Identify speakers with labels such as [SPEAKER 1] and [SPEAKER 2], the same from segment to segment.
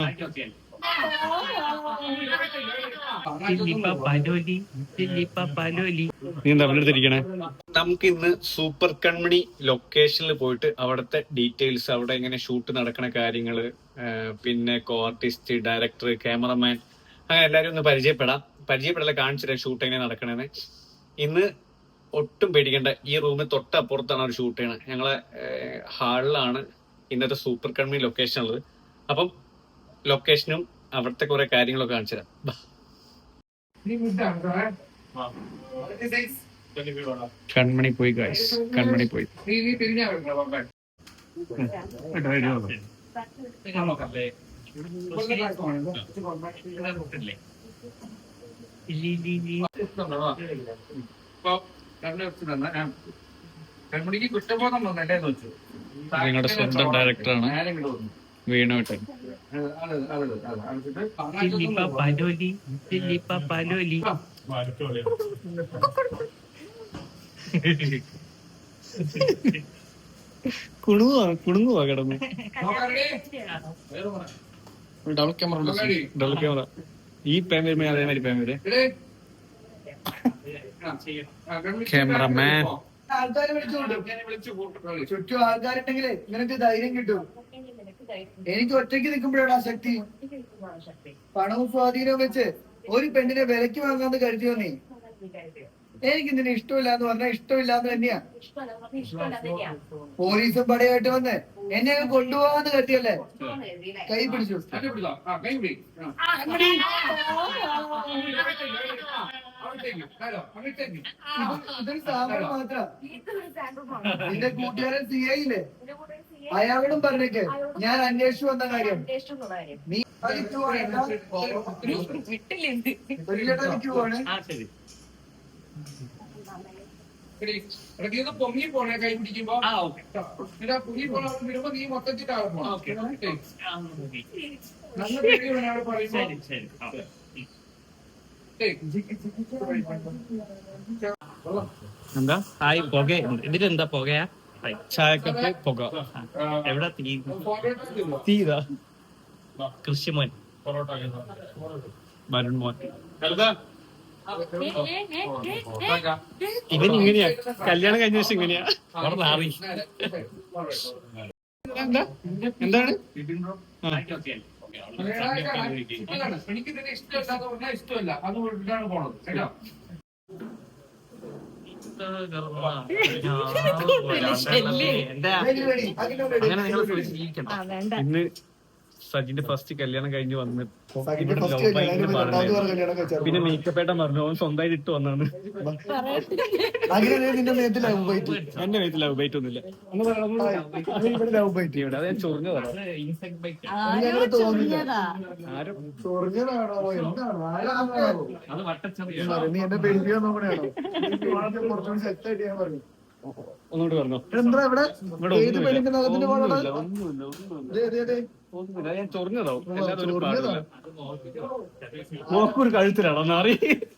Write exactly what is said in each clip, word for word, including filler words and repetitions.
[SPEAKER 1] നമുക്ക് ഇന്ന് സൂപ്പർ കൺമണി ലൊക്കേഷനിൽ പോയിട്ട് അവിടുത്തെ ഡീറ്റെയിൽസ്, അവിടെ എങ്ങനെ ഷൂട്ട് നടക്കണ കാര്യങ്ങള്, പിന്നെ കോ ആർട്ടിസ്റ്റ്, ഡയറക്ടർ, ക്യാമറമാൻ, അങ്ങനെ എല്ലാവരും ഒന്ന് പരിചയപ്പെടാം. പരിചയപ്പെടല കാണിച്ചിട്ട് ഷൂട്ട് എങ്ങനെ നടക്കണെന്ന്. ഇന്ന് ഒട്ടും പേടിക്കേണ്ട, ഈ റൂമിൽ തൊട്ടപ്പുറത്താണ് ഒരു ഷൂട്ട് ചെയ്യണത്. ഞങ്ങളെ ഹാളിലാണ് ഇന്നത്തെ സൂപ്പർ കൺമണി ലൊക്കേഷൻ ഉള്ളത്. അപ്പം ലൊക്കേഷനും അവിടുത്തെ കുറെ കാര്യങ്ങളൊക്കെ കാണിച്ചു തരാം. കൺമണി പോയി ഗൈസ്, കൺമണി പോയി. നിങ്ങളുടെ സ്വന്തം ഡയറക്ടറാണ് വീണോട്ടൻ. കുണുവാ കുണുങ്ങുവാ കിടന്നു. ഡബിൾ ക്യാമറ ഡബിൾ ക്യാമറ ഈ പേൻ വരുമ്പോ അതേമാതിരി പേൻ വരെ. ക്യാമറമാൻ
[SPEAKER 2] ആൾക്കാരെ ചുറ്റും ആൾക്കാരുണ്ടെങ്കിലേ നിനക്ക് ധൈര്യം കിട്ടും. എനിക്ക് ഒറ്റയ്ക്ക് നിൽക്കുമ്പോഴാണ് ആ ശക്തി. പണവും സ്വാധീനവും വെച്ച് ഒരു പെണ്ണിനെ വിലക്ക് വാങ്ങാന്ന് കരുതിയോ നീ? എനിക്ക് നിന്നെ ഇഷ്ടമില്ലാന്ന് പറഞ്ഞാൽ ഇഷ്ടമില്ലാന്ന് തന്നെയാ. പോലീസും പടയായിട്ട് വന്ന് എന്നെ കൊണ്ടുപോകാന്ന് കരുതിയല്ലേ? കൈ പിടിച്ചു. ഇതൊരു സാമ്പിൾ മാത്രം. നിന്റെ കൂട്ടുകാരൻ സി ഐയില്ലേ, അയാളോടും പറഞ്ഞേക്ക് ഞാൻ അന്വേഷിച്ചു വന്ന കാര്യം. നീ
[SPEAKER 3] പൊങ്ങി പോണേ കൈ പിടിക്കുമ്പോ പൊങ്ങി പോണ വരുമ്പോ നീ മൊത്തത്തിട്ടാകും. നല്ല പേടി പറയുമ്പോ
[SPEAKER 1] എന്താ ഹായ് പുക ഇതിലെന്താ പുകയാ? ചായക്കപ്പ് പുക. എവിടെ തീ? തീരാ കൃഷിമോൻ വരുൺ മോൻ. ഇവൻ ഇങ്ങനെയാ, കല്യാണം കഴിഞ്ഞ ദിവസം ഇങ്ങനെയാ. എന്താ എന്താണ്
[SPEAKER 3] എനിക്ക് ഇതിനെ ഇഷ്ടമല്ലാതെ പറഞ്ഞാൽ ഇഷ്ടമല്ല, അതുകൊണ്ടാണ് പോണത് കേട്ടോ.
[SPEAKER 1] ഇന്ന് സജിന്റെ ഫസ്റ്റ് കല്യാണം കഴിഞ്ഞ് വന്ന് പിന്നെ മേക്കപ്പേട്ടൻ പറഞ്ഞു അവൻ സ്വന്തമായിട്ട് ഇട്ട് വന്നാണ്. എന്റെ മേത്ത് ലവ് ബൈറ്റ് ഒന്നുമില്ല. അത് ഞാൻ ചൊറിഞ്ഞതാണ്. അത് വട്ടച്ചെറിയാണോ? ഒന്നുകൂടി പറഞ്ഞോ. ഒന്നുമില്ല, ഞാൻ ചൊറിഞ്ഞതാവും. നോക്കൊരു കഴുത്തിലാണോ നാറി?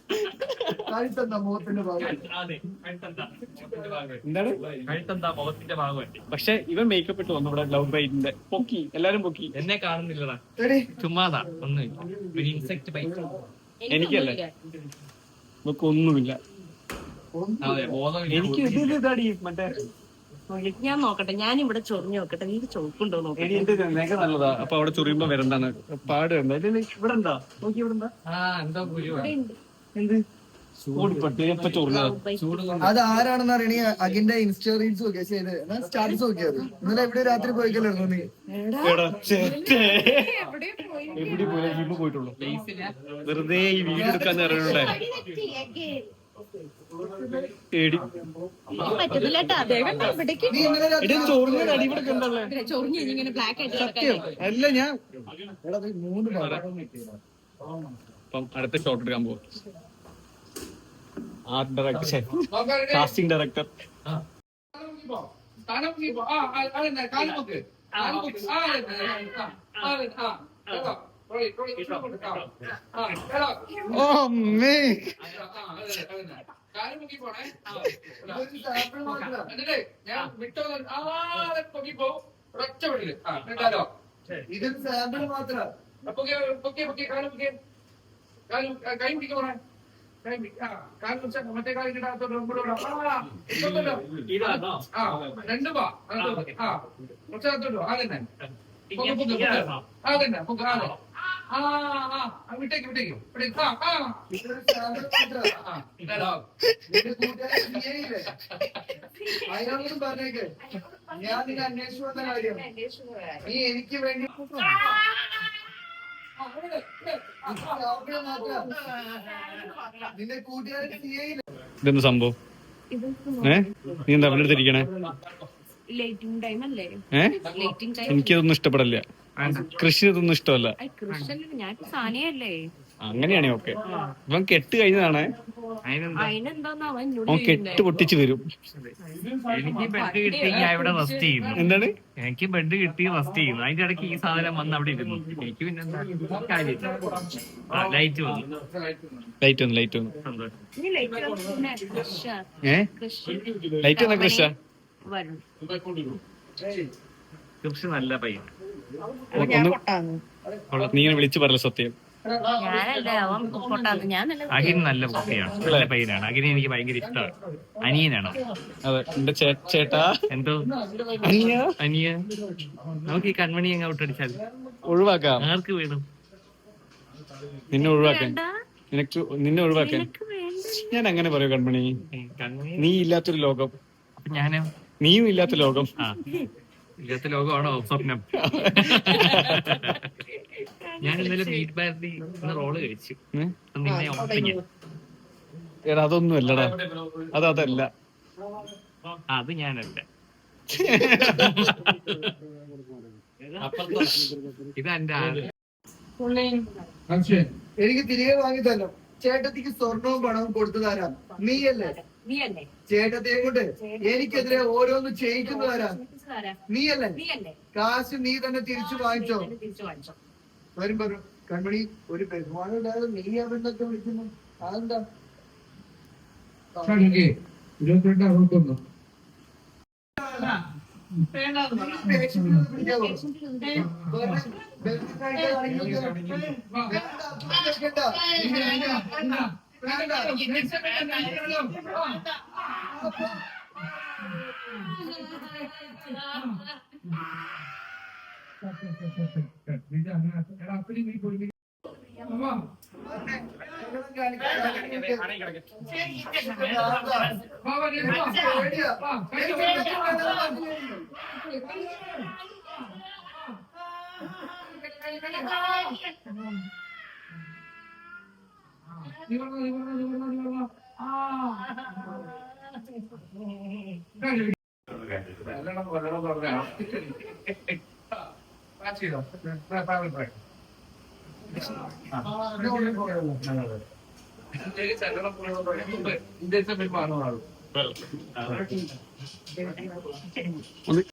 [SPEAKER 1] എന്താണ് പക്ഷെ ഇവൻ മേക്കപ്പ് ഇട്ട് വന്നു ഇവിടെ ലവ് ബൈറ്റിന്റെ. പൊക്കി, എല്ലാരും പൊക്കി. എന്നെ കാണുന്നില്ലടാ, ചുമ്മാതാ. ഒന്നുമില്ല, എനിക്കല്ലേ നമുക്ക് ഒന്നുമില്ല. എനിക്ക് ഇത് ഇതാടി മറ്റേ
[SPEAKER 4] ഞാൻ നോക്കട്ടെ, ഞാൻ ഇവിടെ ചൊറിഞ്ഞു നോക്കട്ടെ. നീ ചോക്കുണ്ടോ നോക്കട്ടെ.
[SPEAKER 1] എന്റെ നെഗ നല്ലതാ. അപ്പൊ അവിടെ ചൊറിയുമ്പോ വരണ്ടാണ് പാട് വരണ്ട. ഇവിടെ ഉണ്ടാ നോക്കി, ഇവിടെ ഉണ്ടാ എന്ത്
[SPEAKER 2] അത് ആരാണെന്ന് അറിയണ അഖിന്റെ ഇൻസ്റ്റാ റീൽസ് നോക്കിയാ ചെയ്ത് സ്റ്റാറ്റസ് നോക്കിയത്. ഇന്നലെ എവിടെ രാത്രി പോയിക്കല്ലായിരുന്നു നീ?
[SPEAKER 1] എവിടെ പോയി പോയിട്ടുള്ളൂ. വെറുതെ ഈ വീഡിയോ എടുക്കാൻ അറിയണ്ടേ? അല്ല ഞാൻ അപ്പം അടുത്ത ഷോട്ട് എടുക്കാൻ പോകും. Art director, casting director. ഓ മേ
[SPEAKER 3] ഞാൻ വിട്ടോ പൊക്കിപ്പോ ഒറ്റ വിടില്.
[SPEAKER 2] ഇതൊരു സാമ്പിൾ മാത്രം.
[SPEAKER 3] പൊക്കെ പൊക്കെ പൊക്കെ കാലം പൊക്കെ കാലം കൈ പിടിക്കണേ കൈ ആ കാലം വെച്ചാ മറ്റേ കാലം കിട്ടാത്തോട്ട് മുമ്പോട്ട് ആ ഇതൊന്നല്ലോ ആ രണ്ടു പാ ആ കുറച്ചകത്തോട്ടോ അതന്നെ പൊക്കെ പൊക്കെ അതന്നെ പൊക്കെ അതെ ആ ആ വിട്ടേക്ക് വിട്ടേക്ക് വിട്ടേക്ക് ആ ആ
[SPEAKER 2] ഇതൊരു സാധനം മാത്രാ.
[SPEAKER 3] ഇതാ
[SPEAKER 2] നിന്റെ കൂട്ടുകാരൻ നീയല്ലേ? അയാളോടും പറഞ്ഞേക്ക് ഞാൻ നിന്നെ അന്വേഷിച്ചു വന്ന കാര്യം നീ എനിക്ക് വേണ്ടി അവിടെ മാത്രാ. നിന്റെ കൂട്ടുകാരൻ നീയല്ലേ?
[SPEAKER 1] ഇതെന്ത് സംഭവം? ഏ നീ എന്താ അവന്റെ അടുത്ത് ഇരിക്കണേ?
[SPEAKER 4] ലേറ്റിംഗ് ടൈം അല്ലേ?
[SPEAKER 1] ഏ
[SPEAKER 4] ലേറ്റിംഗ് ടൈം.
[SPEAKER 1] എനിക്കതൊന്നും ഇഷ്ടപ്പെടില്ല. കൃഷി ഇതൊന്നും ഇഷ്ടമല്ല.
[SPEAKER 4] കൃഷ്ണൻ ഞാൻ സാനിയല്ലേ?
[SPEAKER 1] അങ്ങനെയാണേ ഓക്കെ. ഇവൻ കെട്ട് കഴിഞ്ഞതാണ്.
[SPEAKER 4] അതിനെന്താന്ന് അവൻ എന്നോട്
[SPEAKER 1] അവൻ കെട്ട് പൊട്ടിച്ച് വരും.
[SPEAKER 5] എനിക്ക് ബെഡ് കിട്ടി ഞാൻ ഇവിടെ റെസ്റ്റ് ചെയ്യുന്നു.
[SPEAKER 1] എന്താണ്?
[SPEAKER 5] എനിക്ക് ബെഡ് കിട്ടി റെസ്റ്റ് ചെയ്യുന്നു. അതിന്റെ ഇടയ്ക്ക് ഈ സാധനം വന്ന് അവിടെ ഇരുന്നു. എനിക്ക് പിന്നെ കാര്യം ലൈറ്റ് വന്നു.
[SPEAKER 1] ലൈറ്റ് വന്നു ലൈറ്റ് വന്നു.
[SPEAKER 5] സന്തോഷം.
[SPEAKER 4] നീ ലേറ്റ് വന്നു കൃഷ്ണ
[SPEAKER 1] ഏ
[SPEAKER 4] കൃഷ്ണ
[SPEAKER 1] ലൈറ്റ് വന്ന കൃഷ
[SPEAKER 4] വരും.
[SPEAKER 5] കൃഷി നല്ല പയ്യൻ.
[SPEAKER 4] ഞാൻ പൊട്ടാന്ന്.
[SPEAKER 1] നീ ഇങ്ങനെ വിളിച്ചു പറയല സത്യം.
[SPEAKER 4] ഞാനല്ല അവൻ പൊട്ടാന്ന്. ഞാനല്ല.
[SPEAKER 5] അഖിൻ നല്ല കുട്ടിയാണ്, നല്ല പയ്യനാണ്. അഖിനെ എനിക്ക് ഭയങ്കര ഇഷ്ടമാണ്. അനിയനാണ്.
[SPEAKER 1] അതെ എന്റെ ചേ- ചേട്ടാ
[SPEAKER 5] എന്തോ
[SPEAKER 1] അനിയ
[SPEAKER 5] അനിയ നമുക്ക് ഈ കൺമണി അങ്ങ് ഔട്ടടിച്ചാൽ
[SPEAKER 1] ഒഴിവാക്കാം.
[SPEAKER 5] ആർക്ക് വേണം?
[SPEAKER 1] നിന്നെ ഒഴിവാക്കാൻ.
[SPEAKER 4] വേണ്ട.
[SPEAKER 1] നിനക്ക് നിന്നെ ഒഴിവാക്കാൻ.
[SPEAKER 4] നിനക്ക് വേണ്ട.
[SPEAKER 1] ഞാൻ അങ്ങനെ പറയൂ കൺമണി.
[SPEAKER 5] ഏ, കൺമണി
[SPEAKER 1] നീ ഇല്ലാത്തൊരു ലോകം.
[SPEAKER 5] അപ്പൊ ഞാനോ?
[SPEAKER 1] നീയും ഇല്ലാത്ത ലോകം.
[SPEAKER 5] ആ ഇല്ലാത്ത ലോകമാണോ സ്വപ്നം? ഞാൻ ഇന്നലെ മീറ്റ് ബാരതി റോള് കഴിച്ചു.
[SPEAKER 1] ഏ?
[SPEAKER 5] അപ്പൊ നിന്നെ ഓർത്ത് ഞാൻ.
[SPEAKER 1] എടാ അതൊന്നും അല്ലടാ. അത് അതല്ല.
[SPEAKER 5] അത് ഞാനല്ല. ഇത് എന്റെ ആള്.
[SPEAKER 2] എനിക്ക് തിരികെ വാങ്ങി തരണം. ചേട്ടത്തിക്ക് സ്വർണവും പണവും കൊടുത്തു തരാം. നീയല്ലേ?
[SPEAKER 4] നീയല്ലേ?
[SPEAKER 2] ചേട്ടത്തിയെ കൊണ്ട് എനിക്കെതിരെ ഓരോന്ന് ചെയ്യിക്കുന്നു തരാം. നീയല്ലേ?
[SPEAKER 4] നീയല്ലേ?
[SPEAKER 2] കാശ് നീ തന്നെ തിരിച്ചു വാങ്ങിച്ചോ.
[SPEAKER 4] തിരിച്ചു വാങ്ങിച്ചോ.
[SPEAKER 2] വരും പറഞ്ഞു കൺമണി ഒരു ബഹുമാനം ഇല്ലാതെ നീ അവന്നൊക്കെ വിളിക്കുന്നു. അതെന്താ?
[SPEAKER 3] ഇരുപത്തിരണ്ട് അറുപത്തൊന്ന്
[SPEAKER 2] പേഷ്യന്റ് പിടിക്കാവോ? വെറുതെ ബെൽറ്റ് കഴിക്കാൻ ആരെങ്കിലും വേണ്ട, വെക്കണ്ട.
[SPEAKER 3] ഇന്ത്യൻ